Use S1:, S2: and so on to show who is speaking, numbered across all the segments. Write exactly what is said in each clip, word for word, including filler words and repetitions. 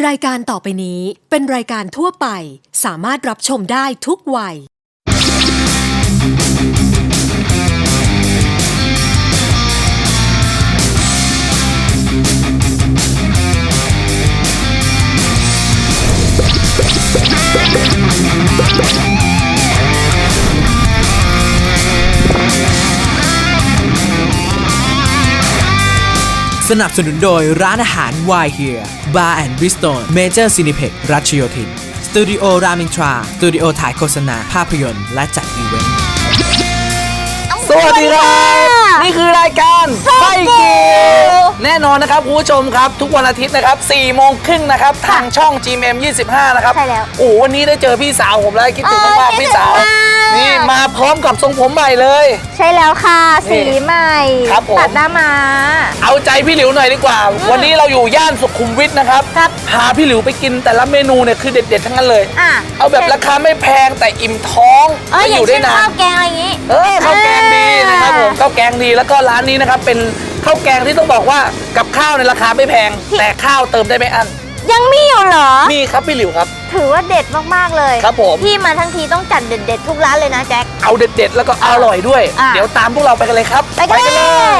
S1: รายการต่อไปนี้เป็นรายการทั่วไปสามารถรับชมได้ทุกวัย
S2: สนับสนุนโดยร้านอาหาร Why Here Bar and Bistro Major Cineplex รัชโยธินสตูดิโอรามินทราสตูดิโอถ่ายโฆษณาภาพยนตร์และจัดอีเวนต์
S3: สวัสดีครับนี่คือรายการไฟกิวแน่นอนนะครับคุณผู้ชมครับทุกวันอาทิตย์นะครับสี่โมงครึ่งนะครับทางช่อง จี เอ็ม ยี่สิบห้านะครับใช่แล้วโอ้วันนี้ได้เจอพี่สาวผมแล้วคิดถึงมากๆพี่สาวนี่มาพร้อมกับทรงผมใหม่เลย
S4: ใช่แล้วค่ะสีใหม่ตัดหน้ามา
S3: เอาใจพี่หลิวหน่อยดีกว่าวันนี้เราอยู่ย่านสุขุมวิทนะครับพาพี่หลิวไปกินแต่ละเมนูเนี่ยคือเด็ดๆทั้งนั้นเลยเอาแบบราคาไม่แพงแต่อิ่มท้อง
S4: และ
S3: อยู่ได้นาน
S4: ข้าวแกงอะไรอย่างนี้
S3: เออข้าวแกงดีนะครับผมข้าวแกงดีแล้วก็ร้านนี้นะครับเป็นข้าวแกงที่ต้องบอกว่ากับข้าวในราคาไม่แพงแต่ข้าวเติมได้ไม่อั้น
S4: ยังมีอยู่เหรอ
S3: มีครับพี่หลิวครับ
S4: ถือว่าเด็ดมากๆเลย
S3: ครับผม
S4: พี่มาทั้งทีต้องจัดเด็ดๆทุกร้านเลยนะแจ็ค
S3: เอาเด็ดๆแล้วก็อร่อยด้วยเดี๋ยวตามพวกเราไปกันเลยครับ
S4: ไปกันเลย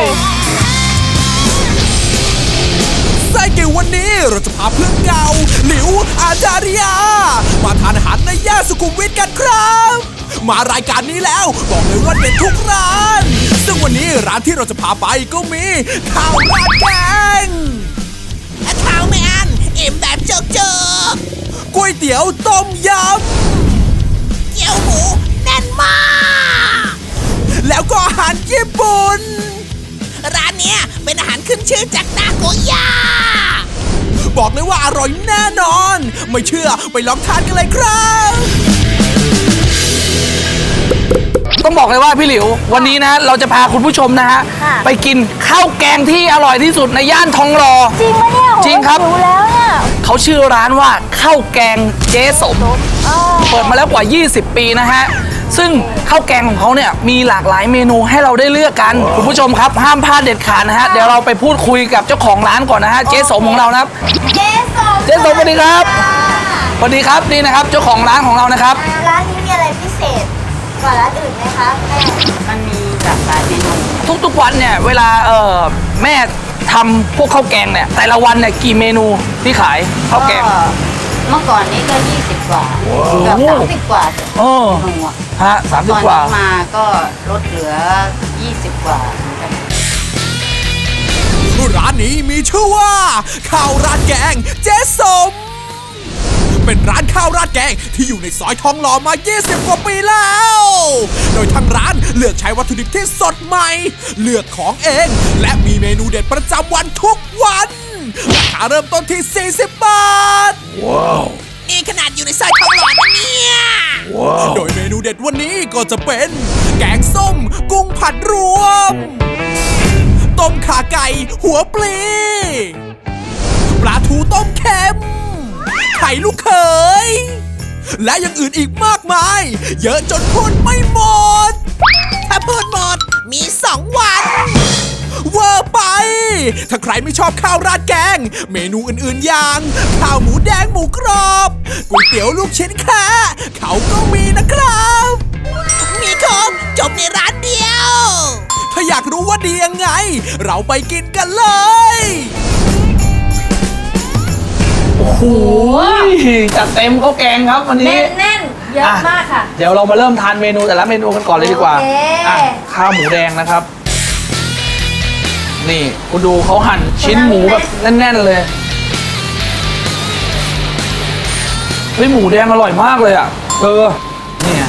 S2: ไส้เก๋วันนี้เราจะพาเพื่อนเก่าหลิวอาจาริยามาทานอาหารในย่านสุขุมวิทกันครับมารายการนี้แล้วบอกเลยว่าเด็ดทุกร้านซึ่งวันนี้ร้านที่เราจะพาไปก็มีข้าวราดแกงข้าวไม่อั้นอิ่มแบบเจิกเจิกก๋วยเตี๋ยวต้มยำเกี๊ยวหมูแน่นมากแล้วก็อาหารญี่ปุ่นร้านเนี้ยเป็นอาหารขึ้นชื่อจากนาโกย่าบอกเลยว่าอร่อยแน่นอนไม่เชื่อไปลองทานกันเลยครับ
S3: ต้องบอกเลยว่าพี่หลิววันนี้นะเราจะพาคุณผู้ชมนะฮะไปกินข้าวแกงที่อร่อยที่สุดในย่านทองหล่อ
S4: จริงไหมเนี่ย
S3: จริงครับ
S4: รู้แล้วเนี่ย
S3: เขาชื่อร้านว่าข้าวแกงเจ๊สมเปิดมาแล้วกว่ายี่สิบปีนะฮะซึ่งข้าวแกงของเขาเนี่ยมีหลากหลายเมนูให้เราได้เลือกกันคุณผู้ชมครับห้ามพลาดเด็ดขาดนะฮะเดี๋ยวเราไปพูดคุยกับเจ้าของร้านก่อนนะฮะเจ๊สมของเรานะครับ
S4: เจ๊สม
S3: เจ๊สมสวัสดีครับสวัสดีครับนี่นะครับเจ้าของร้านของเรานะครับ
S4: ร้านนี้มีอะไรพิเศษกว่าร้านอื่นไหมคะแม่
S5: มันมีหลากหลายเมนู
S3: ทุกๆวันเนี่ยเวลาเออแม่ทำพวกข้าวแกงเนี่ยแต่ละวันเนี่ยกี่เมนูที่ขายข้าวแกง
S5: เมื่อก่อนนี้ก็ยี่สิบกว่าเกือบสามสิบกว่า
S3: โอ้ฮะสามสิบกว่า
S5: มาก็ลดเหลือยี่สิบกว่า
S2: ร้านนี้มีชื่อว่าข้าวราดแกงเจ๊สมเป็นร้านข้าวราดแกงที่อยู่ในซอยทองหล่อมายี่สิบกว่าปีแล้วโดยทางร้านเลือกใช้วัตถุดิบที่สดใหม่เลือกของเองและมีเมนูเด็ดประจำวันทุกวันราคาเริ่มต้นที่สี่สิบบาทว้าวนี่ขนาดอยู่ในซอยทองหล่อนะเนี่ยว้าวโดยเมนูเด็ดวันนี้ก็จะเป็นแกงส้มกุ้งผัดรวมต้มข่าไก่หัวปลีปลาทูต้มเค็มไข่ลูกเขยและอย่างอื่นอีกมากมายเยอะจนพูดไม่หมดถ้าพูดหมดมีสองวันเวอร์ไปถ้าใครไม่ชอบข้าวราดแกงเมนูอื่นๆอย่างข้าวหมูแดงหมูกรอบก๋วยเตี๋ยวลูกชิ้นแค่เขาก็มีนะครับมีครบจบในร้านเดียวถ้าอยากรู้ว่าดียังไงเราไปกินกันเลย
S3: โอ้โหจัดเต็มข้าวแกงครับวันนี้
S4: แน่นๆเยอะมากค่ะ
S3: เดี๋ยวเรามาเริ่มทานเมนูแต่ละเมนูกันก่อนเลยดีกว่าข้าวหมูแดงนะครับนี่คุณดูเขาหั่นชิ้นหมูแบบแน่นๆเลยเฮ้ยหมูแดงอร่อยมากเลยอ่ะเออเนี่ย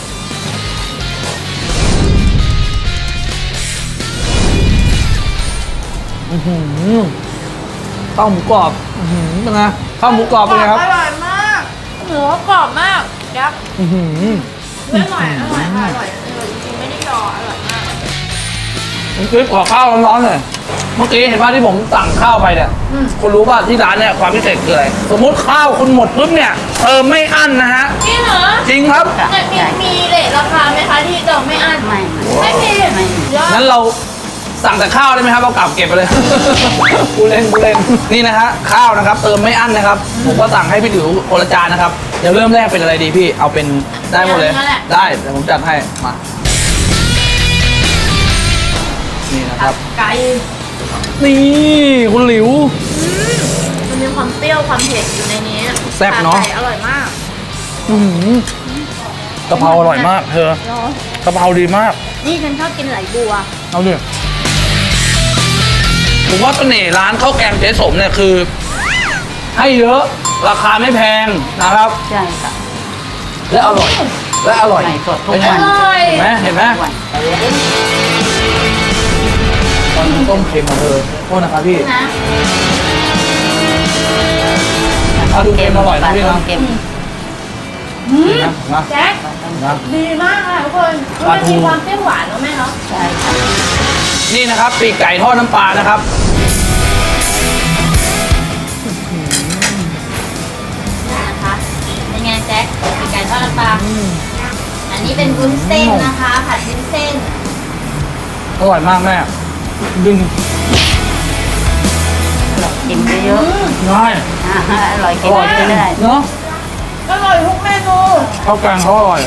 S3: อื้อหือข้าวหมูกรอบอื้อหือเป็นไงข้าวหมูกรอบเป็นไงครับ
S4: อร่อยมากหมูกรอบมากยักษ์
S3: อื้อหือ
S4: อร่อยอร่อยอร่อยจริงๆไม่ได้ยออร่อยมาก
S3: เมื่อกี้ขอข้าวร้อนๆเลยเมื่อกี้เห็นว่าที่ผมสั่งข้าวไปเนี่ยคุณรู้ป่ะที่ร้านเนี่ยความพิเศษคืออะไรสมมติข้าวคุณหมดปุ๊บเนี่ยเติมไม่อั้นนะฮะ
S4: จริงเหรอ
S3: จริงครับ
S4: มีมีเรทราคาไหมคะที่เติมไม่อั้น
S5: ไม่
S4: ไม่มี
S5: ไม่
S3: งั้นเราสั่งแต่ข้าวได้ไหมครับเอากลับเก็บไปเลย กูเล่นกูเล่นนี่นะฮะข้าวนะครับเติมไม่อั้นนะครับผมก็สั่งให้พี่หลิวคนละจานนะครับเดี๋ยวเริ่มแรกเป็นอะไรดีพี่เอาเป็นได้หมดเลยได้เดี๋ยวผมจัดให้มานี่นะครับ
S4: ไก่
S3: นี่คุณหลิว
S4: มันมีความเปรี้ยวความเผ็ดอยู่ในนี้
S3: แซ่บเนอะ
S4: ไก่อร่อยมาก
S3: อื้อหือกะเพราอร่อยมากเธอ
S4: เนาะ
S3: กะเพราดีมาก
S4: นี่ฉันชอบกินไหลบัว
S3: เอาดิผมว่าเสน่ห์ร้านข้าวแกงเจ๊สมเนี่ยคือ ให้เยอะราคาไม่แพงนะครับ
S5: ใช่ค่ะ
S3: และอร่อย และอร่อย
S5: ใหม่สดทุก
S3: เป็นไง
S5: วัน
S4: อร่อย
S3: เห็นไหมเห็นไหมตอนต้มเค็มมาเธอโทษนะครับพี่
S4: นะ
S3: ปลาทูเค็มอร่อยนะพี่
S5: ปลา
S3: นะ
S5: ทูเค็ม
S3: นะนะ
S4: แจ็ค
S3: นะ
S4: ดีมากค่ะทุกคน
S3: ปลา
S4: มัน
S3: ทู
S4: มีความเปรี้ยวหวานเนาะแม่เนาะ
S5: ใช่ค่ะ
S3: นี่นะครับปีกไก่ทอดน้ำปลานะครับ
S5: นี่นะคะ เป็นไงแจ็คปีกไก่ทอดน้ำปลาอันนี้เป็นวุ้นเส้นนะคะ ผัดวุ้นเส้น
S3: อร่อยมากแม่ดึง
S5: กินเยอะ
S3: ง่าย
S5: ๆอ่าอร่อย
S3: อ
S5: กิน
S3: ร่อย
S5: ไปเรื่อย
S3: เนาะ
S4: อร่อยทุกเมนู
S3: ข้าวแกงเขาอร่อย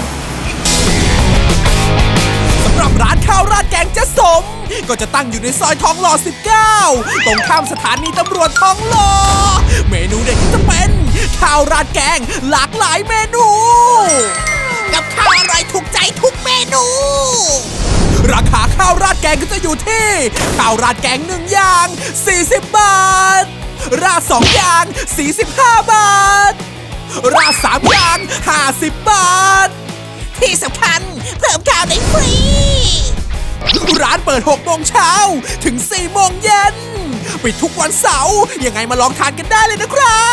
S2: สำหรับร้านข้าวราดแกงเจ๊สม ก็จะตั้งอยู่ในซอยทองหล่อ สิบเก้า ตรงข้ามสถานีตำรวจทองหล่อ เมนูเด็ดก็จะเป็นข้าวราดแกงหลากหลายเมนู กับข้าวอร่อยถูกใจทุกเมนู ราคาข้าวราดแกงก็จะอยู่ที่ข้าวราดแกงหนึ่งอย่าง สี่สิบบาท ราดสองอย่าง สี่สิบห้าบาท ราดสามอย่าง ห้าสิบบาท ที่สำคัญเพิ่มข้าวได้ฟรี ร้านเปิดหกโมงเช้าถึงสี่โมงเย็นปิดทุกวันเสาร์ยังไงมาลองทานกันได้เลยนะครับ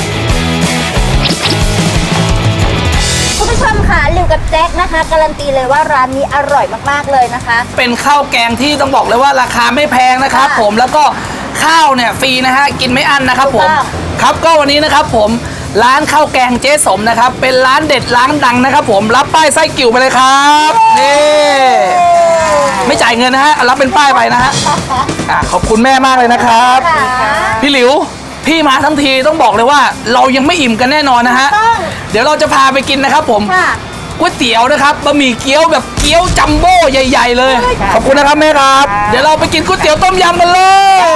S6: คุณผู้ชมค่ะลิวกับแจ็คนะคะ การันตีเลยว่าร้านนี้อร่อยมากๆเลยนะคะ
S3: เป็นข้าวแกงที่ต้องบอกเลยว่าราคาไม่แพงนะครับ
S6: ค่ะ
S3: ผมแล้วก็ข้าวเนี่ยฟรีนะฮะกินไม่อั้นนะครับผม
S6: ถูกต้อง
S3: ครับก็วันนี้นะครับผมร้านข้าวแกงเจ๊สมนะครับเป็นร้านเด็ดร้านดังนะครับผมรับป้ายไส้กิ่วไปเลยครับนี่ไม่จ่ายเงินนะฮะรับเป็นป้ายไปนะฮะอ่ะขอบคุณแม่มากเลยนะครับ
S6: ค่ะ
S3: พี่หลิวพี่มาทั้งทีต้องบอกเลยว่า เรายังไม่อิ่มกันแน่นอนนะฮะ
S6: ต้อง
S3: เดี๋ยวเราจะพาไปกินนะครับผม
S6: ค่ะ
S3: ก๋วยเตี๋ยวนะครับบะหมี่เกี๊ยวแบบเกี๊ยวจัมโบ้ใหญ่ ๆ เลย ขอบคุณนะครับแม่ครับ เดี๋ยวเราไปกินก๋วยเตี๋ยวต้มยำกันเลย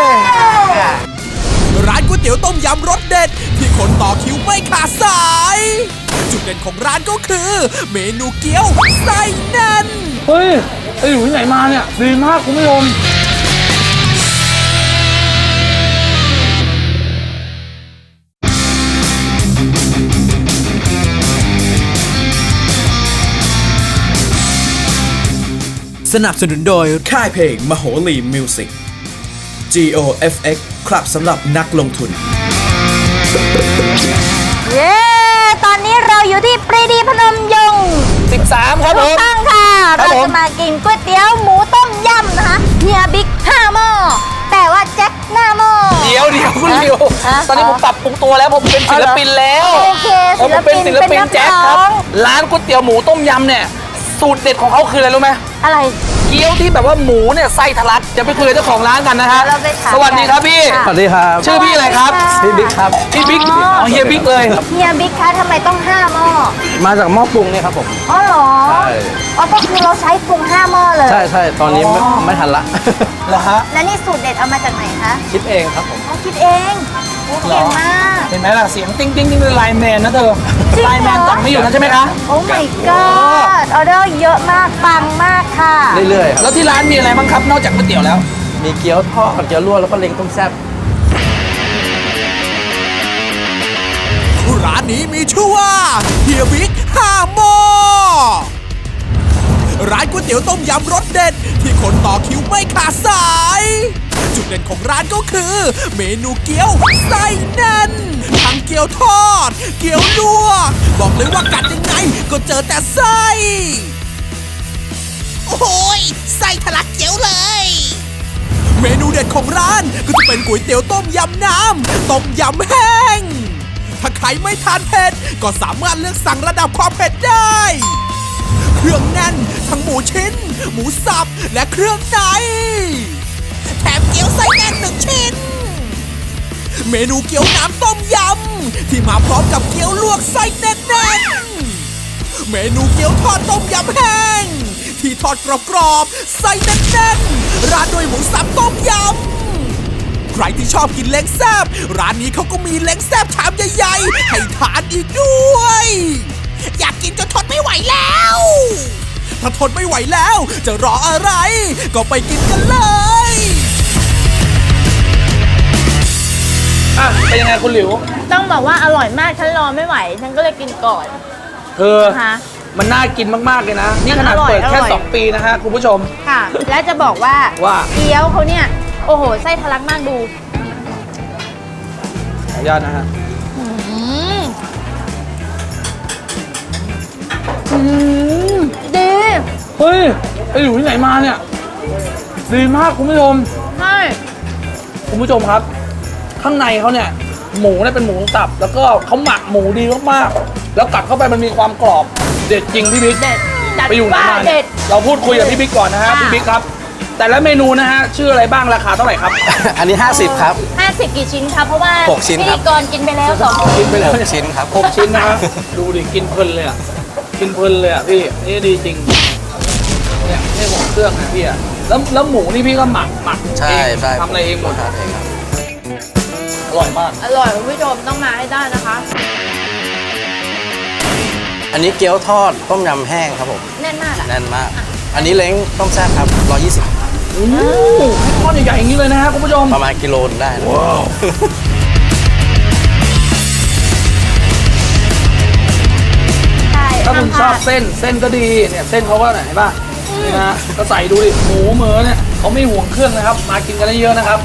S2: ร้านก๋วยเตี๋ยวต้มยำรสเด็ด ที่คนต่อคิวไม่ขาดสาย จุดเด่นของร้านก็คือ เมนูเกี๊ยวไส้แน่น
S3: เฮ้ยไอ้อยู่ที่ไหนมาเนี่ยดีมากคุณผู้ชม
S2: สนับสนุนโดยค่ายเพลงมโหรีมิวสิก จี โอ เอฟ เอ็กซ์ ครับสำหรับนักลงทุน
S6: เย้ตอนนี้เราอยู่ที่ปรีดีพนมยงค์
S3: สิบสามครับผ
S6: ถูก
S3: ม
S6: ต้องค่ะ
S3: ครับ
S6: เรา
S3: ผม
S6: จะมากินก๋วยเตี๋ยวหมูต้มยำนะคะเฮียบิ๊กห้าหม้อแต่ว่าแจ็คหน้าหม้อ
S3: เดี๋ยวเดี๋ยวคุณหลิว
S6: อ่ะ
S3: ตอนนี้ผมปรับปรุงตัวแล้วผมเป็นศิลปินแล้ว
S6: โอเค
S3: ผมเป็นศิลปิน
S6: เป็นนัก
S3: แจ๊คค
S6: ร้
S3: รับ
S6: อง
S3: ร้านก๋วยเตี๋ยวหมูต้มยำเนี่ยสูตรเด็ดของเขาคืออะไรรู้ไหม
S6: อะไร
S3: เกี๊ยวที่แบบว่าหมูเนี่ยไส้ทะลักจะไปคุยกับเจ้าของร้านกันนะฮะ
S6: เราไปถาม
S3: สวัสดีครับพี่
S6: ค่ะ
S3: สวัสดีครับ ชื่อพี่อะไรครับ
S6: พี่บิ๊กครับ
S3: พี่บิ๊กอ๋อเฮียบิ๊กเลย
S6: เฮียบิ๊กคะทำไมต้องห้าหม้อ
S7: มาจากหม้อปรุงเนี่ยครับผม
S6: อ๋อเหรอ
S7: ใช่
S6: อ๋อก็คือเราใช้ปรุงห้าหม้อเลย
S7: ใช่ใช่ตอนนี้ไม่ไม่ทันละ
S3: เหรอฮะ
S6: แล้วนี่สูตรเด็ดเอามาจากไหนคะ
S7: คิดเองครับผม
S6: เขาคิดเองโอ้เก่งมาก
S3: เห็นไหมล่ะเสียงติ้งติ้งติ้งเป็นไลน์แมนนะเธอ
S6: จริงเหรอ
S3: ไลน์แมนจับไม่อยู่นะใช่ไหมคะ
S6: โอ้ my god ออเดอร์เยอะมากปังมากค่ะ
S7: เรื่อยๆครับ
S3: แล้วที่ร้านมีอะไรบ้างครับนอกจากก๋วยเตี๋ยวแล้ว
S7: มีเกี๊ยวทอดเกี๊ยวลวกแล้วก็เล้งต้มแซ่บ
S2: ร้านนี้มีชื่อว่าเฮียบิ๊กห้าหม้อร้านก๋วยเตี๋ยวต้มยำรสเด็ด ที่คนต่อคิวไม่ขาดสาย จุดเด่นของร้านก็คือ เมนูเกี๊ยวไส้แน่นทั้งเกี๊ยวทอด เกี๊ยวลวกบอกเลยว่ากัดยังไงก็เจอแต่ไส้ โอ้โหยไส้ทะลักเกี๊ยวเลย เมนูเด็ดของร้านก็จะเป็นก๋วยเตี๋ยวต้มยำน้ำต้มยำแห้ง ถ้าใครไม่ทานเผ็ดก็สามารถเลือกสั่งระดับความเผ็ดได้ เครื่องแน่นทั้งหมูชิ้น หมูสับและเครื่องในแถมเกี๊ยวไส้แน่นหนึ่งชิ้น เมนูเกี๊ยวน้ำต้มยำที่มาพร้อมกับเกี๊ยวลวกไส้แน่นๆเมนูเกี๊ยวทอดต้มยำแห้งที่ทอดกรอบๆไส้แน่นๆราดด้วยหมูสับต้มยำใครที่ชอบกินเล้งแซ่บร้านนี้เขาก็มีเล้งแซ่บชามใหญ่ๆให้ทานอีกด้วย อยากกินจนทนไม่ไหวแล้ว ถ้าทนไม่ไหวแล้วจะรออะไร ก็ไปกินกันเลย
S3: อ่ะเป็นยังไงคุณหลิว
S4: ต้องบอกว่าอร่อยมากฉันรอไม่ไหว ฉันก็เลยกินก่อน
S3: เธอ
S4: นะคะ
S3: มันน่ากินมากๆเลยนะ นี่ขนาด
S4: อร่อย
S3: เปิดแค่
S4: อร่อย
S3: สองปีนะฮะคุณผู้ชม
S4: ค่ะ และจะบอกว่า
S3: ว่า
S4: เกี๊ยวเขาเนี่ย โอ้โห ไส้ทะลักมากดู
S3: ขออนุญาตนะฮะ
S4: อืมอืมดี
S3: เฮ้ยไอหลิวที่ไหนมาเนี่ยดีมากคุณผู้ชม
S4: ใช่
S3: คุณผู้ชมครับ ข้างในเขาเนี่ยหมูเนี่ยเป็นหมูสับแล้วก็เขาหมักหมูดีมากๆแล้วกัดเข้าไปมันมีความกรอบเด็ดจริงพี่บิ๊ก
S4: เด็ดจัด
S3: ไปอยู่ไหน
S4: ว่า
S3: มา
S4: เด็
S3: เนี่ย
S4: ด
S3: เราพูดคุยกับพี่บิ๊กก่อนนะฮะ
S4: ค่ะ
S3: พี่บิ๊กครับ แต่ละเมนูนะฮะชื่ออะไรบ้างราคาเท่าไหร่ครับ
S7: อันนี้ ห้าสิบ ครับ
S4: ห้าสิบกี่ชิ้นคะเพราะว่า
S7: หกชิ้น
S4: พิ
S7: ครั
S4: ธี
S7: บ
S4: กรกินไปแล้วสอง
S3: กินไปแล้ว
S7: หกชิ้นครับ
S3: หกชิ้นนะฮะดูดิกินเพลินเลยอ่ะกินเพลินเลยอ่ะพี่นี่ดีจริงเนี่ยนี่หมกเครื่องนะพี่อ่ะแล้วแล้วหมูนี่พี่ก็หมักหมัก
S7: ใช่
S3: เอง
S7: ใช่
S3: ทำอะไรเองหมด
S7: ทำเองครับ
S3: อร่อยมาก
S4: อร่อยคุณผู้ชมต้องมาให้ได้นะคะ
S7: อันนี้เกี๊ยวทอดต้มยำแห้งครับผม
S4: แน่นมากอ่ะ
S7: แน่นมาก อันนี้เล้งต้มแซ่บครับร้อยยี่สิบ
S3: โอ้โหก้อนใหญ่ๆอย่างนี้เลยนะฮะคุณผู้ชม
S7: ประมาณกิโลนึงได้นะ
S4: ใช่
S3: ถ้าคุณช
S4: ห้
S3: อบ
S4: มพลด
S3: เส้นเส้นก็ดีเนี่ยเส้นเขาก็ไหนป่ะนี่นะก็ใส่ดูดิหมูเหมือเนี่ยเขาไม่ห่วงเครื่องนะครับ มากินกันได้เยอะนะครับ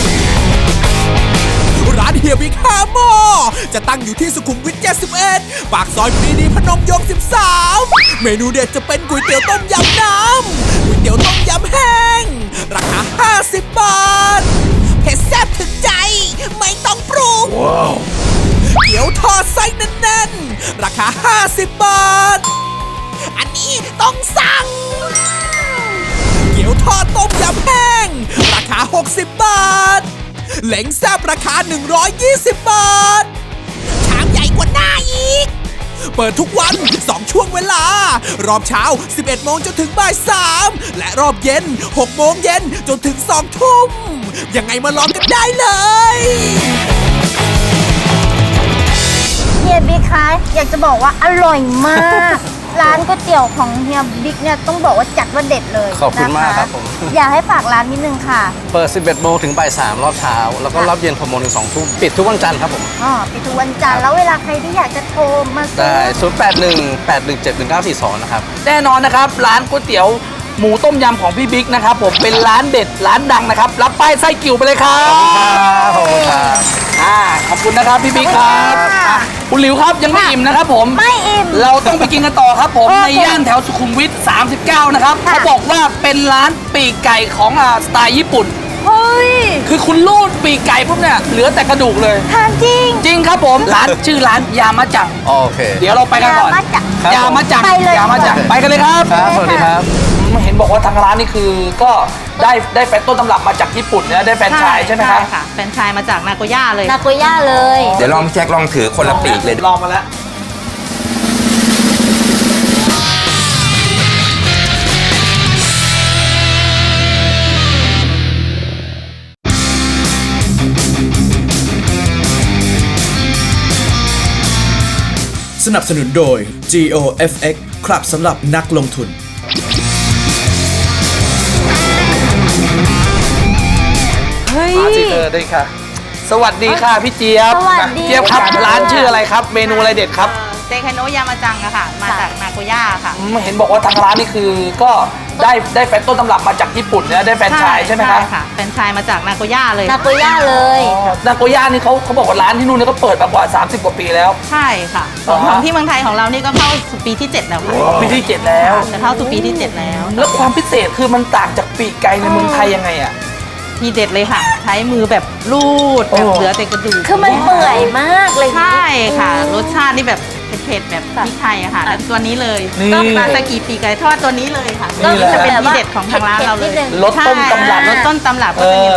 S2: ร้านเฮียบิ๊กห้าหม้อจะตั้งอยู่ที่สุขุมวิทเจ็ดสิบเอ็ดปากซอยปรีดีพนมยงค์สิบสามเมนูเด็ดจะเป็นก๋วยเตี๋ยวต้มยำน้ำก๋วยเตี๋ยวต้มยำแห้งราคาห้าสิบบาทเผ็ดแซ่บถึงใจไม่ต้องปรุงเกี๊ยวทอดไส้แน่นๆราคาห้าสิบบาท อันนี้ต้องสั่ง เกี๊ยวทอดต้มยำแห้งราคาหกสิบบาทเหล็งแซ่บราคาหนึ่งร้อยยี่สิบบาทชามใหญ่กว่าหน้าอีก เปิดทุกวันสองช่วงเวลารอบเช้าสิบเอ็ดโมงจนถึงบ่ายสามและรอบเย็นหกโมงเย็นจนถึงสองทุ่มยังไงมาลองกันได้เลย
S6: เฮียบิ๊กคะอยากจะบอกว่าอร่อยมาก ร้านก๋วยเตี๋ยวของเฮียบิ๊กเนี่ยต้องบอกว่าจัดว่าเด็ดเลย
S7: ขอบคุณมาก
S6: นะะ
S7: ครับผม
S6: อยากให้ฝากร้านนิดนึงค่ะ
S7: เปิด สิบเอ็ดโมงถึงบ่ายสามรอบเช้า แล้วก็รอบเย็นหกโมงถึงสองทุ่มปิดทุกวันจันทร์ครับผม
S6: อ๋อปิดทุกวันจันทร์แล้วเวลาใครที่อยากจะโทรมาซื้
S7: ได้
S6: อ
S7: ศูนย์ แปด หนึ่ง แปด หนึ่ง เจ็ด หนึ่ง เก้า สี่ สองนะครับ
S3: แน่นอนนะครับ ร้านก๋วยเตี๋ยวหมูต้มยำของพี่บิ๊กนะครับผมเป็นร้านเด็ดร้านดังนะครับ รับป้ายไส้กิ่วไปเลยครับ
S7: ขอบคุณครับ
S3: อ่าขอบคุณนะครับพี่บิ๊กครับ
S6: ขอบคุณค่ะ
S3: อ่ะคุณหลิวครับยังไม่อิ่มนะครับผม
S6: ไม่อิ่ม
S3: เราต้องไปกินกันต่อครับผม
S6: โอเค
S3: ในย่านแถวสุขุมวิทสามสิบเก้านะครับ
S6: ค่ะ
S3: เขาบอกว่าเป็นร้านปีกไก่ของอ่าสไตล์ญี่ปุ่น
S6: เฮ้ย
S3: คือคุณรูดปีกไก่ปุ๊บเนี่ยเหลือแต่กระดูกเลย
S6: ทานจริง
S3: จริงครับผม ร้านชื่อร้านยามะจัง
S7: โอเค
S3: เดี๋ยวเราไปกันก่อน
S6: ยามะจัง
S7: ครับ
S3: ยามะจัง
S6: ไปเลย
S3: ยามะจังไปกันเลยครับ
S7: ครับ สวัสดีครับ
S3: เห็นบอกว่าทางร้านนี่คือก็ได้ได้แฟนต้นตำรับมาจากญี่ปุ่นนะได้แฟรนไชส์ใช่ไหมครับ
S8: ค่ะแฟรนไชส์มาจากนาโกย่าเลย
S6: นาโกย่าเลย
S9: เดี๋ยวลองพี่แจ็คลองถือคนละปีกเลย
S3: ลองมาแล้ว
S2: สนับสนุนโดย จี โอ เอฟ เอ็กซ์ ครับสำหรับนักลงทุน
S6: เฮ้ย
S3: มาสิเธอได้ค่ะ สวัสดีค่ะพี่เจี๊ยบ
S6: สวัสดี
S3: เจี๊ยบครับ
S6: ค่ะ
S3: ร้านชื่ออะไรครับ เมนูอะไรเด็ดครับ
S8: เซคาโนะยามาจังอะค่ะ มาจากนาโกย่าค่ะ
S3: อืมเห็นบอกว่าทางร้านนี่คือก็ได้ได้แฟนต้นตำรับมาจากญี่ปุ่นนะได้แฟรนไชส์ใช่ไหมครับ
S8: ค่ะแฟรนไชส์มาจากนาโกย่าเลย
S6: นาโกย่าเลย
S3: นาโกย่านี่เขาเขาบอกว่าร้านที่นู่นเนี่ยก็เปิดมากว่า สามสิบ กว่าปีแล้ว
S8: ใช่ค่ะ
S3: อ๋อ
S8: ของที่เมืองไทยของเรานี่ก็เข้าสู่ปีที่เจ็ดแล้วค่ะ
S3: ปีที่เจ็ดแล้ว
S8: จะเข้าสู่ปีที่เจ็ดแล้ว
S3: แล้วความพิเศษคือมันต่างจากปีกไก่ในเมืองไทยยังไงอ่ะ
S8: ทีเด็ดเลยค่ะ ใช้มือแบบรูดแบบ
S3: โอ้
S8: เหลือแต่กระดูก
S6: คือมันเปื่อยมากเลย
S8: ใช่ค่ะ รสชาตินี่แบบเเผ็ดๆแบบพริกไทยอะค่ะ แล้วตัวนี้เลย
S3: นี่
S8: ก็ปลาสกีปีกไก่ทอดตัวนี้เลยค่ะ
S3: นี่แหละ
S8: จะเป็นทีเด็ดของทางร้านเราเลย
S3: รสต้มตำรับ
S8: รสต้นตำรับ
S3: เอ
S8: ก็จะมี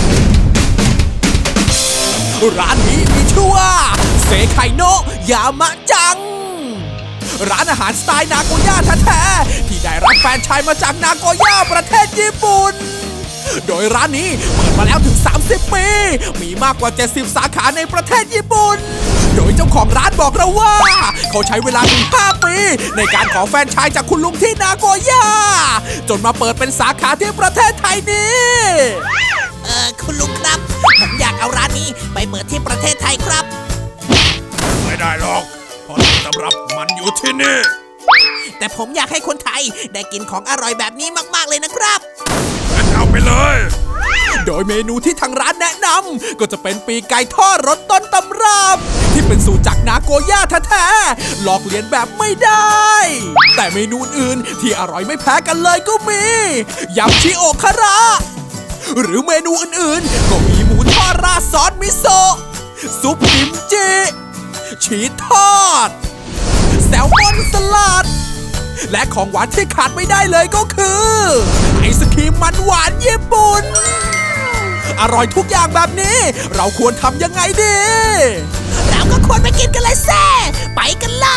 S3: อ
S2: ร้านนี้มีชื่อว่าเซไคโนะยามะจัง ร้านอาหารสไตล์นาโกย่าแท้ๆที่ได้รับแฟรนไชส์มาจากนาโกย่าประเทศญี่ปุ่น โดยร้านนี้เปิดมาแล้วถึง สามสิบ ปี มีมากกว่า เจ็ดสิบ สาขาในประเทศญี่ปุ่น โดยเจ้าของร้านบอกเราว่า เขาใช้เวลาถึง ห้า ปี ในการขอแฟรนไชส์จากคุณลุงที่นาโกย่า จนมาเปิดเป็นสาขาที่ประเทศไทยนี้
S10: เออคุณลุงครับ ผมอยากเอาร้านนี้ไปเปิดที่ประเทศไทยครับ
S2: ไม่ได้หรอกเพราะต้นตำรับมันอยู่ที่นี่
S10: แต่ผมอยากให้คนไทยได้กินของอร่อยแบบนี้มากๆเลยนะครับ
S2: งั้นเอาไปเลย โดยเมนูที่ทางร้านแนะนำก็จะเป็นปีกไก่ทอดรสต้นตำรับ ที่เป็นสูตรจากนาโกย่าแท้ๆลอกเลียนแบบไม่ได้ แต่เมนูอื่นที่อร่อยไม่แพ้กันเลยก็มียำชิโอคาระ หรือเมนูอื่นๆ ก็มีหมูทอดราดซอสมิโซะซุปกิมจิ ชีสทอด แซลมอนสลัด และของหวานที่ขาดไม่ได้เลยก็คือไอศครีมมันหวานญี่ปุ่น อร่อยทุกอย่างแบบนี้ เราควรทำยังไงดี
S10: เราก็ควรไปกินกันเลยแซ่ไปกันเลย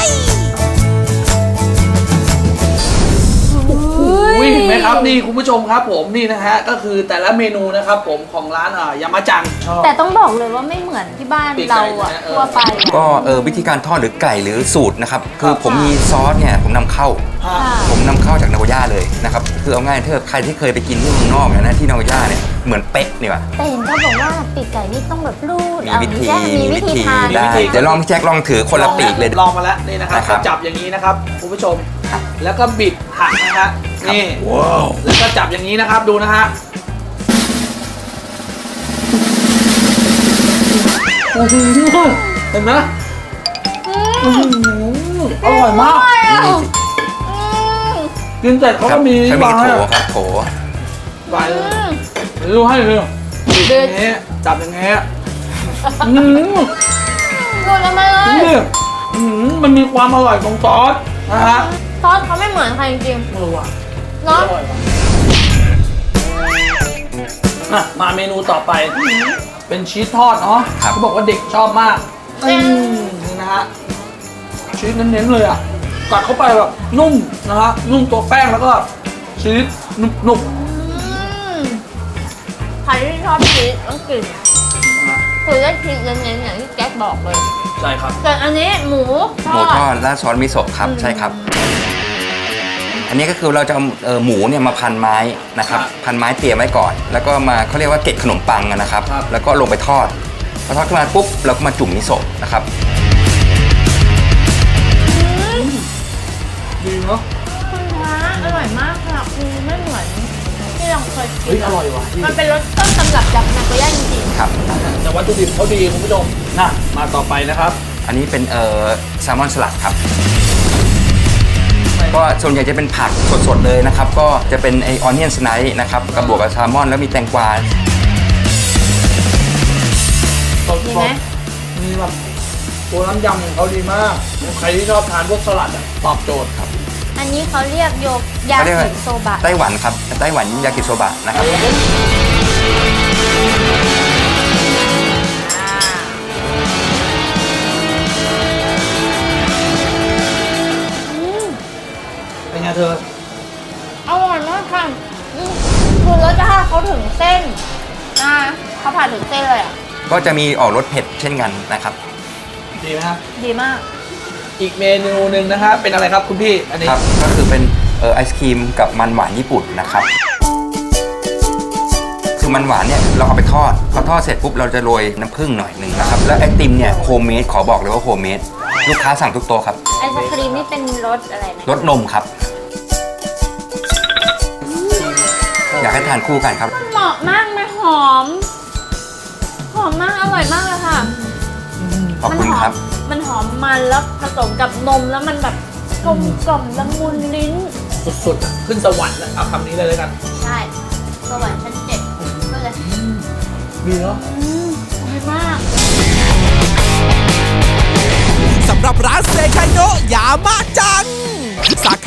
S3: อุ้ยเห็นไหมครับนี่คุณผู้ชมครับผมนี่นะฮะก็คือแต่ละเมนูนะครับผมของร้านอ่ายามาจังชอบ
S6: แต่ต้องบอกเลยว่าไม่เหมือนที่บ้าน
S3: ปีกไก่
S6: เราอะ
S3: นะเออ
S6: ทั่วไปอะ
S9: ก็เออวิธีการทอดหรือไก่หรือสูตรนะครับ คือ
S3: ครับ
S9: ผมมีซอสเนี่ยผมนำเข้า
S3: ฮะ
S9: ผมนำเข้าจากนาโกย่าเลยนะครับคือเอาง่ายถ้าใครที่เคยไปกินที่เมืองนอกเนี่ยนะที่นาโกย่าเนี่ยเหมือนเป๊ะนี่ว่ะ
S6: แต่เห็นเขาบอกว่าปีกไก่นี่ต้องแบบรูด
S9: มี
S6: เอา
S9: วิธี
S6: แยกมีวิธีทาน
S9: ได้เดี๋ยวลองพี่แจ็คลองถือคนละปีกเลย
S3: ลองมาแล้วนี่นะครับ
S9: นะครับ
S3: ก็จับอย่างนี้นะครับคุณผู้ชม แล้วก็บิดหักนะฮะนี่แล้วก็จับอย่างนี้นะครับดูนะฮะโอ้โหเห็นไหมอื้อหืออร่อยมากกินเสร็จเขา
S9: ครั
S3: ก็
S9: บ
S3: มี
S9: เขามี
S3: วาง
S9: โถ
S3: ให้
S9: ครับโถ
S3: ไปเลยเดี๋ยวดูให้เลยบิดอย่างนี้จับอย่างนี้อืม
S6: รูดแล้วมาเลย
S3: นี่อืมมันมีความอร่อยของซอสนะฮะ
S6: ซอสเขาไม่เหมือนใครจริง
S3: เออว่ะ
S6: ๆเนาะ
S3: อร่อยว่ะอ่ะมาเมนูต่อไป เป็นชีสทอดเนาะ
S9: ครับ
S3: เขาบอกว่าเด็กชอบมากอืมนี่นะฮะชีสเน้นๆเลยอ่ะกัดเข้าไปแบบนุ่มนะฮะนุ่มตัวแป้งแล้วก็ชีสหนุบ
S6: ใครที่ชอบชีสต้องกินคือได้ชีสเน้นๆอย่างที่แก๊กบอกเลย
S3: ๆใช่ครับ
S6: ส่วนอันนี้หมูท
S9: หมู
S6: อ
S9: ทอ
S6: ด
S9: ดราดซอสมิโซะครับใช่ครับ อันนี้ก็คือเราจะเอาเอ่อหมูเนี่ยมาพันไม้นะครับ
S3: ครับ
S9: พันไม้เตรียมไว้ก่อน แล้วก็มาเขาเรียกว่าเกล็ดขนมปังอะนะครับ
S3: ครับ
S9: แล้วก็ลงไปทอดพอทอดขึ้นมาปุ๊บเราก็มาจุ่มมิโซะนะครับ
S3: ดีเนาะ
S6: คุณพระอร่อยมากค่ะคือไม่เหมือนที่เราเคยกิ
S3: เฮ้ย
S6: น
S3: อร่อยว่ะ
S6: มันเป็นรสต้นตำรับจากนาโกย่าจริง
S9: ครับ
S3: แต่วัตถุดิบเขาดีคุณผู้ชมนะมาต่อไปนะครับ
S9: อันนี้เป็นเอ่อแซลมอนสลัดครับ ก็ส่วนใหญ่จะเป็นผักสดๆเลยนะครับ ก็จะเป็นไอออนเนียนสไนท์นะครับกับบวกกับแซลมอนแล้วมีแตงกวา
S3: สด
S6: ๆดี
S3: ๆ
S6: ไหม
S3: มีแบบตัวน้ำยำของเขาดีมาก ใครที่ชอบทานพวกสลัดอะตอบโจทย์ครับ
S6: อันนี้เขาเรียกโยกยา
S9: เขาเรียกว่า
S6: กิโซบะ
S9: ไต้หวันครับไต้หวันยากิโซบะนะครับ
S3: เป็นไงเธอ
S6: อร่อยมากค่ะอืมคือรสชาติเขาถึงเส้นนะเขาผ่านถึงเส้นเลยอ่ะ
S9: ก็จะมีออกรสเผ็ดเช่นกันนะครับ
S3: ดีไหมครับ
S6: ดีมาก
S3: อีกเมนูหนึ่งนะครับเป็นอะไรครับคุณพี่ อันนี้
S9: ครับ ก็คือเป็นเอ่อไอศครีมกับมันหวานญี่ปุ่นนะครับ คือมันหวานเนี่ยเราเอาไปทอดพอทอดเสร็จปุ๊บเราจะโรยน้ำผึ้งหน่อยหนึ่งนะครับ แล้วไอติมเนี่ยโฮมเมดขอบอกเลยว่าโฮมเมดลูกค้าสั่งทุกโต๊ะครับ
S6: ไอศครีมนี่เป็นรสอะไรนะ
S9: รสนมครับ อยากให้ทานคู่กันครับ
S6: เหมาะมากนะหอม หอมมาก อร่อยมากเลยค่ะ
S9: ขอบคุณครับ
S6: มันหอมมันแล้วผสมกับนมแล้วมันแบบกลมกล่อมละมุนลิ้น
S3: สุดๆอะขึ้นสวรรค์อะเอาคำนี้เลยแล้วกัน
S6: ใช่สวรรค์ชั้นเจ็ดก็เลย
S3: ดีเนาะ
S6: อืมอร่อยมาก
S2: สำหรับร้านเซ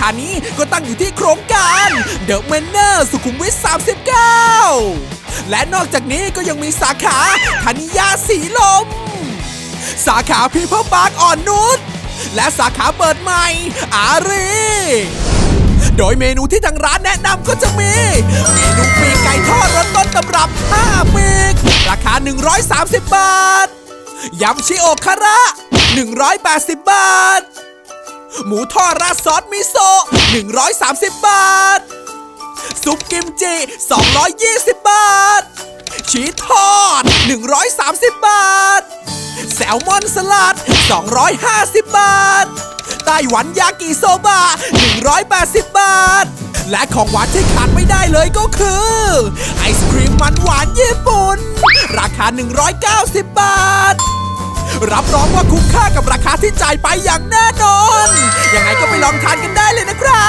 S2: านี้ก็ตั้งอยู่ที่โครงการเดอะเมนเนอร์สุขุมวิทสามสิบเก้าและนอกจากนี้ก็ยังมีสาขาธนิยาสีลมสาขาพีเพิลปาร์คอ่อนนุชและสาขาเปิดใหม่อารีโดยเมนูที่ทางร้านแนะนำก็จะมีเมนูปีกไก่ทอดรสต้นตำรับห้าปีกราคาหนึ่งร้อยสามสิบบาทยำชิโอคาระหนึ่งร้อยแปดสิบบาทหมูทอดราดซอสมิโซะหนึ่งร้อยสามสิบบาทซุปกิมจิสองร้อยยี่สิบบาทชีสทอดหนึ่งร้อยสามสิบบาทแซลมอนสลัดสองร้อยห้าสิบบาทไต้หวันยากิโซบะหนึ่งร้อยแปดสิบบาทและของหวานที่ขาดไม่ได้เลยก็คือไอศครีมมันหวานญี่ปุ่นราคาหนึ่งร้อยเก้าสิบบาทรับรองว่าคุ้มค่ากับราคาที่จ่ายไปอย่างแน่นอนยังไงก็ไปลองทานกันได้เลยนะครับ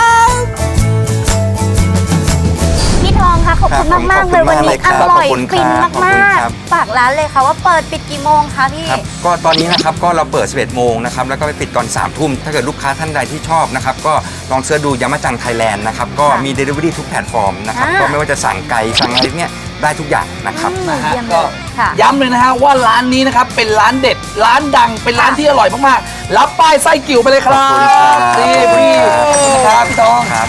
S6: พี่ทองค่ะขอบคุณ
S9: ครับผม
S6: มากๆเลย
S9: ขอบคุณ
S6: วันนี้
S9: มากเลยครั
S6: อบ ร่อย
S9: ขอบคุณ
S6: ฟิน
S9: ครับขอบ
S6: มา
S9: คุณ
S6: ก
S9: ครับ
S6: ๆฝากร้านเลยค่ะว่าเปิดปิดกี่โมงคะพี่
S9: ครับก็ตอนนี้นะครับก็เราเปิดสิบเอ็ดโมงนะครับแล้วก็ไปปิดตอนสามทุ่มถ้าเกิดลูกค้าท่านใดที่ชอบนะครับก็ลองเสิร์ชดูยามาจังไทยแลนด์นะครับก็
S6: ค่ะ
S9: มี Delivery ทุกแพลตฟอร์มนะครับ
S6: อ่า
S9: ก็ไม่ว่าจะสั่งไก่สั่งอะไรเนี่ยได้ทุกอย่างนะครับ
S6: อืม
S3: นะฮะ
S6: เยี่ยมเล
S3: ก็
S6: ยค่ะ
S3: ย้ำเลยนะฮะว่าร้านนี้นะครับเป็นร้านเด็ดร้านดังเป็นร้านที่อร่อยมากๆรับป้ายไส้กิ่วไปเลยครั
S9: ขอบคุณครับ บ
S3: นี่พี่
S9: ขอบคุณ
S3: ค
S9: ครั
S3: รับบ พี่ทอง
S9: ครับ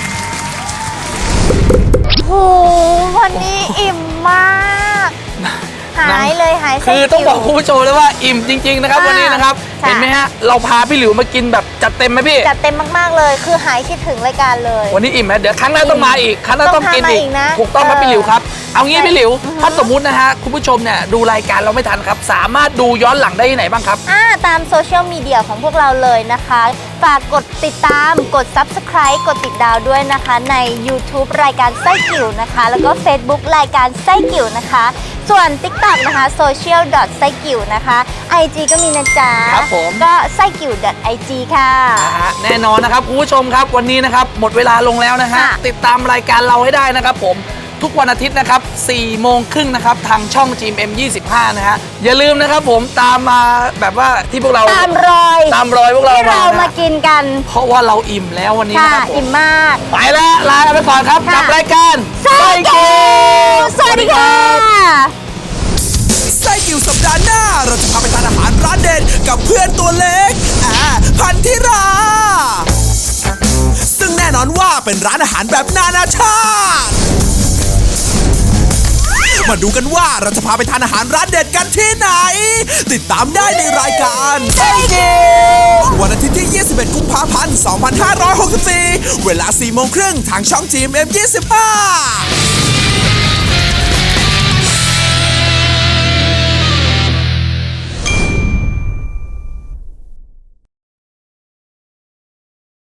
S6: โหวันนี้อิ่มมาก หายเลยหายไส้
S3: คือต้องบอก
S6: กิ่ว
S3: คุณผู้ชมเลยว่าอิ่มจริง ๆ นะครับ
S6: อ่า
S3: วันนี้นะครับ
S6: ค่ะ
S3: เห็นไหมฮะเราพาพี่หลิวมากินแบบจัดเต็มไหมพี่
S6: จัดเต็มมากๆเลย คือหายคิดถึงรายการเลย
S3: วันนี้อิ่มไหมเดี๋ยวครั้งหน้าต้องมาอีกครั้งหน้า
S6: ต้
S3: ต้
S6: อ
S3: อง งกิน
S6: พามา
S3: อี
S6: อี
S3: ก
S6: กนะ
S3: ถูกต้องครับ
S6: เออ
S3: พี่หลิวครับเอางี้
S6: ใช่
S3: พี่หลิว
S6: อือฮึ
S3: ถ้าสมมุตินะฮะคุณผู้ชมเนี่ยดูรายการเราไม่ทันครับสามารถดูย้อนหลังได้ที่ไหนบ้างครับ
S6: อ่าตามโซเชียลมีเดียของพวกเราเลยนะคะ ฝากกดติดตามกด Subscribe กดติดดาวด้วยนะคะ ใน YouTube รายการไส้กิ่วนะคะ แล้วก็ Facebook รายการไส้กิ่วนะคะ ส่วน TikTok นะคะ social ไส้กิ่วนะคะ ไอ จี ก็มีนะจ๊ะ
S3: ครับผม
S6: ก็ไส้กิ่ว ไอ จี ค่ะ
S3: นะฮะแน่นอนนะครับคุณผู้ชมครับวันนี้นะครับหมดเวลาลงแล้วนะฮะ
S6: ค่ะ
S3: ติดตามรายการเราให้ได้นะครับผมทุกวันอาทิตย์นะครับสี่โมงครึ่งนะครับทางช่อง จี เอ็ม ยี่สิบห้านะฮะอย่าลืมนะครับผมตามมาแบบว่าที่พวกเรา
S6: ตามรอย
S3: ตามรอยพวกเรา
S6: ที่
S3: มา
S6: เรามา
S3: นะ
S6: กินกัน
S3: เพราะว่าเราอิ่มแล้ววันนี้
S6: ค่ะ
S3: นะครับผม
S6: อิ่มมาก
S3: ไปแล้วลาไปก่อนครับ
S6: ค่ะ
S3: กับรายการ
S6: ไส้กิ่วสวัสดีค่ะ
S2: ไส้กิ่วสัปดาห์หน้า เราจะพาไปทานอาหารร้านเด็ดกับเพื่อนตัวเล็กอ่าพันธิรา ซึ่งแน่นอนว่าเป็นร้านอาหารแบบนานาชาติ มาดูกันว่าเราจะพาไปทานอาหารร้านเด็ดกันที่ไหน ติดตามได้ในรายการไส้กิ่ววันอาทิตย์ที่ ยี่สิบเอ็ด กุมภาพันธ์ สองพันห้าร้อยหกสิบสี่ เวลา สี่โมงครึ่งทางช่อง จี เอ็ม ยี่สิบห้า